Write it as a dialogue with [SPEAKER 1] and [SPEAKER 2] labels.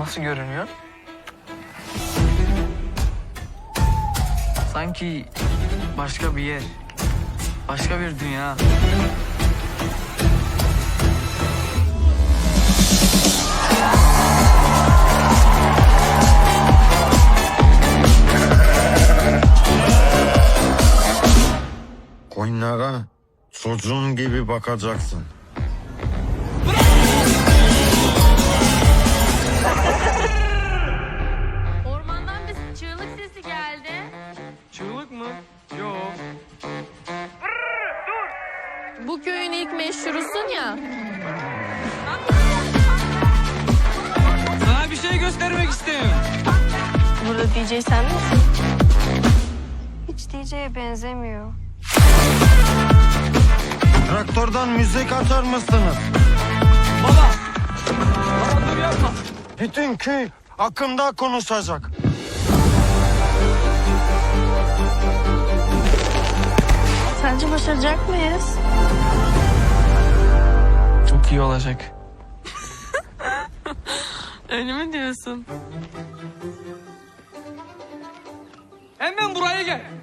[SPEAKER 1] nasıl görünüyor? Sanki başka bir yer, başka bir dünya.
[SPEAKER 2] Koyunlara çocuğun gibi bakacaksın.
[SPEAKER 3] Ormandan bir çığlık sesi geldi.
[SPEAKER 1] Çığlık mı? Yok.
[SPEAKER 3] Bu köyün ilk meşhurusun ya.
[SPEAKER 1] Sana bir şey göstermek istiyorum.
[SPEAKER 3] Burada DJ sen misin?
[SPEAKER 4] Hiç DJ'ye benzemiyor.
[SPEAKER 2] Traktörden müzik açar mısınız?
[SPEAKER 1] Baba! Baba dur yapma.
[SPEAKER 2] Bütün köy hakkında konuşacak.
[SPEAKER 3] Sence başaracak mıyız?
[SPEAKER 1] Çok iyi olacak.
[SPEAKER 3] Öyle mi diyorsun?
[SPEAKER 1] Hemen buraya gel.